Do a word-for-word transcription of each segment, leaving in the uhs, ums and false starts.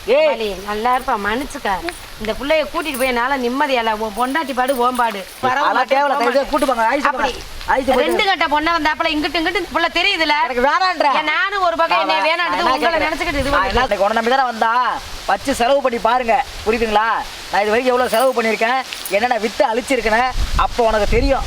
ஏய் நல்லா இருப்பா மன்னிச்சுக்க. இந்த புள்ளைய கூட்டிட்டு போய் என்னால நிம்மதியால பொண்டாட்டி பாடு ஓம்பாடு ரெண்டு கட்ட பொண்ணை வந்தாப்புல இங்கிட்டு இங்கிட்டு இந்த புள்ள தெரியுதுல நானும் ஒரு பக்கம் என்ன வேணான்னு உங்களை நினைச்சுக்கிட்டு இது நம்பி தானே வந்தா வச்சு செலவு பண்ணி பாருங்க புரியுதுங்களா? நான் இது வரைக்கும் எவ்வளவு செலவு பண்ணியிருக்கேன், என்னென்ன வித்து அழிச்சிருக்கேன், அப்போ உனக்கு தெரியும்.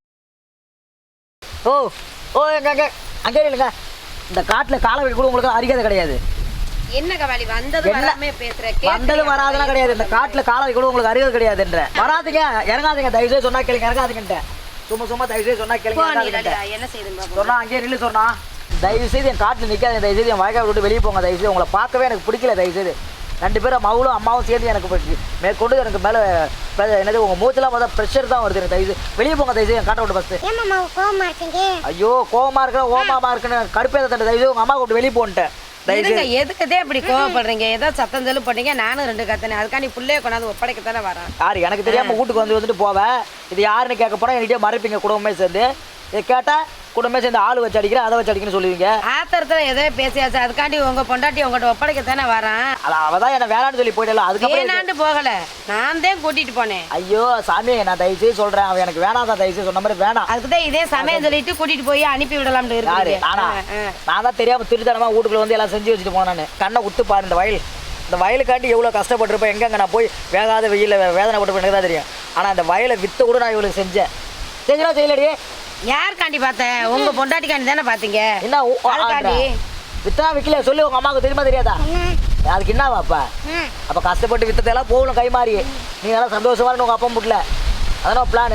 ஓ ஓ எங்க அங்கே இல்லைங்க, இந்த காட்டுல காலை வைக்க கூட உங்களுக்கு அறியாத கிடையாது. என்ன கவாலி வந்தது வராமே பேசுற வந்தது வராதெல்லாம் கிடையாது. இந்த காட்டுல காலை வைக்க கூட உங்களுக்கு அறியாது கிடையாதுன்ற. வராதீங்க, இறங்காதீங்க, தயவு செய்து சொன்னா கேளுங்க, இறங்காதீங்கன்ட்டு. சும்மா சும்மா தயவு செய்து சொன்னா கேளுங்க, என்ன செய்யுது சொன்னா அங்கேயே நில்லு சொன்னா. தயவு செய்து என் காட்டுல நிக்காதீங்க, தயவு செய்து என் வாய்க்கால் விட்டு வெளியே போங்க. தயவு செய்து உங்களை பார்க்கவே எனக்கு பிடிக்கல. தயவு செய்து ரெண்டு பேரும் மவுளும் அம்மாவும் சேர்ந்து எனக்கு மேற்கொண்டு எனக்கு மேலே என்னது உங்கள் மூச்செல்லாம் பார்த்தா ப்ரெஷர் தான் வருது. எனக்கு தயவு வெளியே போங்க, தயவு செய்து என் காட்ட விட்டு ஃபஸ்ட்டு. ஐயோ கோவமா இருக்கிற ஓமாமா இருக்குன்னு கடுப்பேத தண்டை. தயவு உங்கள் அம்மா கூப்பிட்டு வெளியே போன்ட்டேன். எதுக்குதே இப்படி கோவப்படுறீங்க? ஏதோ சத்தம் சொல்லு போட்டீங்க, நானும் ரெண்டு கத்தனே. அதுக்காண்டி பிள்ளைய கொண்டாந்து ஒப்படைக்கத்தானே வரேன். யாரு எனக்கு தெரியாம வீட்டுக்கு வந்து வந்துட்டு போவேன். இது யாருன்னு கேட்க போனா என்கிட்ட மறைப்பீங்க குடும்பமே சேர்ந்து. இதை கேட்டா குடும்பமே சேர்ந்து ஆள் வச்சு அடிக்கிறேன், அதை வச்சு அடிக்கணும்னு சொல்லுவீங்க. ஆத்திரத்துல எதோ பேசியாச்சு, அதுக்காண்டி உங்க பொண்டாட்டி உங்கள்கிட்ட ஒப்படைக்கத்தானே வரேன். அவதான் என்ன வேணான்னு சொல்லி போயிடல. அதுக்கு வேணாண்டு போகல, நான் தான் கூட்டிட்டு போனேன். ஐயோ சாமி, நான் தயவு செய்து சொல்றேன், அவன் எனக்கு வேணாதான், தயவு செய்து சொன்ன மாதிரி வேணாம். அதுக்குதான் இதே சமயம் சொல்லிட்டு கூட்டிட்டு போய் அனுப்பி விடலாம்னு இருக்கு. நான் தான் தெரியாம திருத்தனமா வீட்டுக்குள்ள வந்து எல்லாம் செஞ்சு வச்சுட்டு போனேன். கண்ணை உத்து பாரு, இந்த வயல் இந்த வயலுக்காண்டி எவ்வளோ கஷ்டப்பட்டிருப்பேன். எங்கெங்க நான் போய் வேகாத வெயில வேதனை பட்டு எனக்கு தான் தெரியும். ஆனால் அந்த வயலை வித்த கூட நான் இவளுக்கு செஞ்சேன். செஞ்சா செய்யலடி. யாருக்காண்டி பார்த்தேன்? உங்க பொண்டாட்டிக்காண்டி தானே பார்த்தீங்க. என்ன வித்தா விற்கல சொல்லி உங்க அம்மாவுக்கு தெரியுமா தெரியாதா? அதுக்கு என்ன வாப்பா? அப்போ கஷ்டப்பட்டு வித்ததெல்லாம் போகணும் கை மாறி. நீ நல்லா சந்தோஷமா உங்க அப்பா முட்ல அதான் பிளானு.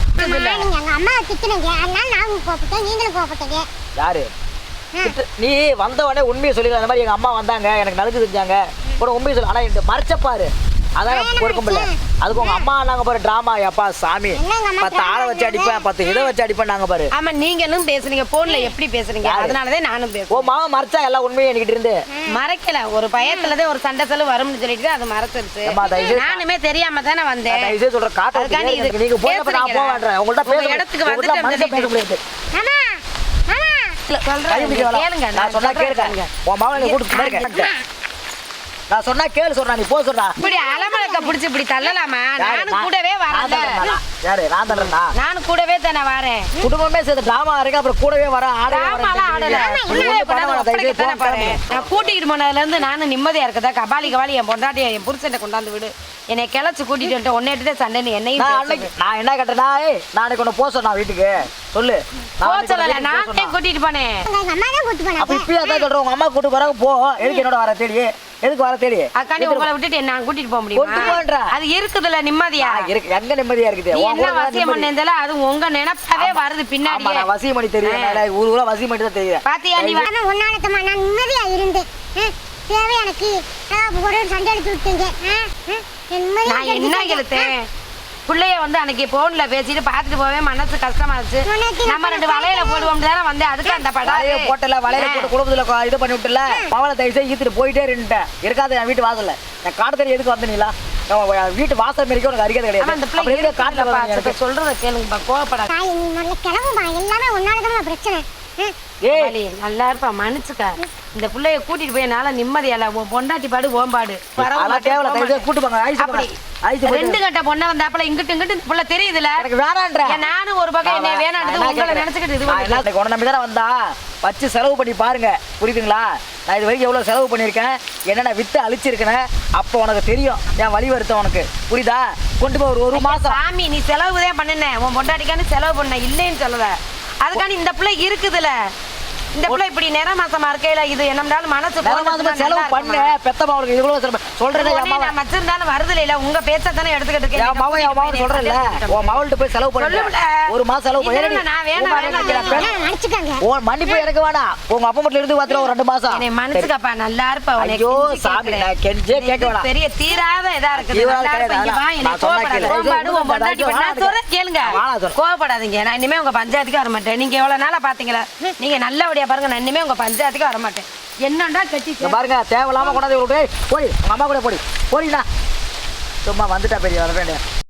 யாரு நீ வந்த உடனே உண்மையை சொல்லிடுற. அந்த மாதிரி எங்க அம்மா வந்தாங்க, எனக்கு நல்லது செஞ்சாங்க கூட உண்மையை சொல்லு. ஆனா இந்த மறைச்சப்பாரு அதான் பொறுக்க முடியல. அதுக்கு உங்க அம்மா நாங்க பாரு டிராமா. அப்பா சாமி, பத்து ஆளை வச்சு அடிப்பேன், பத்து இதை வச்சு அடிப்பேன் நாங்க பாரு. ஆமா நீங்களும் பேசுறீங்க, போன்ல எப்படி பேசுறீங்க? அதனாலதான் நானும் பேசுறேன். ஓ மாமா மறைச்சா எல்லாம் உண்மையை என்கிட்ட இருந்து மறைக்கல. ஒரு பயத்துலதான் ஒரு சண்டை செலவு வரும்னு சொல்லிட்டு அது மறைச்சிருச்சு. நானுமே தெரியாம தானே வந்தேன். தயவு சொல்ற காட்டு நீங்க போய் நான் போக வேண்டாம். உங்கள்ட்ட பேச இடத்துக்கு வந்து பேச முடியாது. கேளுங்க, நான் சொன்னா கேளுங்க. உன் மாவனை கூட்டு நான் சொன்னா கேளு சொல்றா, நீ போ சொல்றா. இப்படி அலமலக்க புடிச்சு இப்படி தள்ளலாமா? நானும் கூடவே வரேன். யாரு நான் தள்ளறேனா? நானும் கூடவே தானே வரேன். குடும்பமே சேர்ந்து டிராமா இருக்கு, அப்புறம் கூடவே வர ஆடலாம் ஆடல. நான் கூட்டிட்டு போனதுல இருந்து நானும் நிம்மதியா இருக்கதா. கபாலி கபாலி என் பொண்டாட்டி என் புருஷனை கொண்டாந்து விடு, என்னை கிளச்சு கூட்டிட்டு வந்துட்டு ஒன்னேட்டு சண்டை என்னையும். நான் என்ன கேட்டேன்னா நாளைக்கு ஒண்ணு போ சொன்னா வீட்டுக்கு சொல்லு. போச்சல நானே கூட்டிட்டு போனேன். அப்ப இப்பயே அதான் சொல்றேன், உங்க அம்மா கூட்டு போறாங்க போ. எதுக்கு என்னோட வர தேடி? எதுக்கு வர தேடி? அக்காண்டி உங்களை விட்டுட்டு நான் கூட்டிட்டு போக முடியுமா? அது இருக்குதுல நிம்மதியா இருக்கு. எங்க நிம்மதியா இருக்குது? என்ன வசியம் பண்ணேன்ல, அது உங்க நினைப்பாவே வருது பின்னாடி. நான் வசியம் பண்ணி தெரியும், ஊரு ஊரா வசியம் பண்ணி தான் தெரியும். பாத்தியா நீ உன்னாலத்தமா நான் நிம்மதியா இருந்தேன். தேவை எனக்கு ஒரு சண்டை எடுத்து விட்டீங்க. நான் என்ன கெழுத்தேன்? பிள்ளைய வந்து அன்னைக்கு போன்ல பேசிட்டு பாத்துட்டு போவே மனசு கஷ்டமா இருந்துச்சு. நம்ம ரெண்டு வலையில போடுவோம் தானே வந்தேன். அதுக்கு அந்த படம் போட்டல வலையில போட்டு குடும்பத்துல இது பண்ணி விட்டுல மவளை தயவு ஈத்துட்டு போயிட்டே இருந்துட்டேன். இருக்காது என் வீட்டு வாசல்ல. நான் காட்டுத்தறி எதுக்கு வந்தீங்களா? வீட்டு வாசல் மாரிக்கு உனக்கு அறியாது கிடையாது. காட்டுல சொல்றத கேளுங்கப்பா, கோவப்படாத. எல்லாமே உன்னாலதான் பிரச்சனை. நல்லா இருப்பா மன்னிச்சுக்க. இந்த பிள்ளைய கூட்டிட்டு போய் என்னால நிம்மதியால பொண்டாட்டி பாடு ஓம்பாடு ரெண்டு கட்ட பொண்ணை வந்தாப்புல இங்கிட்டு இங்கிட்டு இந்த புள்ள தெரியுதுல நானும் ஒரு பக்கம் என்ன வேணான்னு உங்களை நினைச்சுக்கிட்டு இது நம்பி தானே வந்தா வச்சு செலவு பண்ணி பாருங்க புரியுதுங்களா? நான் இது வரைக்கும் எவ்வளவு செலவு பண்ணியிருக்கேன், என்னென்ன வித்து அழிச்சிருக்கேன், அப்போ உனக்கு தெரியும் என் வழி வருத்தம் உனக்கு புரியுதா? கொண்டு போய் ஒரு ஒரு மாசம் சாமி நீ செலவுதான் பண்ணுன, உன் பொண்டாட்டிக்கான்னு செலவு பண்ண இல்லைன்னு சொல்லல. அதுக்காண்டி இந்த பிள்ளை இருக்குதுல, இந்த பிள்ளை இப்படி நேர மாசமா இருக்கையில இது என்னம்னாலும் மனசு செலவு பண்ண பெத்தமா அவளுக்கு இவ்வளவு சொல்றேன். நான் வச்சிருந்தாலும் வருது இல்ல, உங்க பேச்ச தானே எடுத்துக்கிட்டு இருக்கேன். சொல்றேன்ல உன் மவள்கிட்ட போய் செலவு பண்ண ஒரு மாசம் செலவு பண்ணி மன்னிப்பு எனக்கு வேணாம். உங்க அப்பா மட்டும் இருந்து பாத்துற ஒரு ரெண்டு மாசம் என்னை மன்னிச்சுக்கப்பா. நல்லா இருப்பா. ஐயோ சாமி நான் கெஞ்சே கேட்க வேணாம். பெரிய தீராத இதா இருக்குது. கேளுங்க, கோவப்படாதீங்க. நான் இனிமே உங்க பஞ்சாயத்துக்கு வர மாட்டேன். நீங்க எவ்வளவு நாளா பாத்தீங்களா? நீங்க நல்லபடியா பாருங்க, நான் இனிமே உங்க பஞ்சாயத்துக்கு வர மாட்டேன். என்னண்டா கட்டி பாருங்க தேவையில்லாம கொண்டாந்து போய் உங்க அம்மா கூட போடி போடினா சும்மா வந்துட்டா பெரிய வர வேண்டிய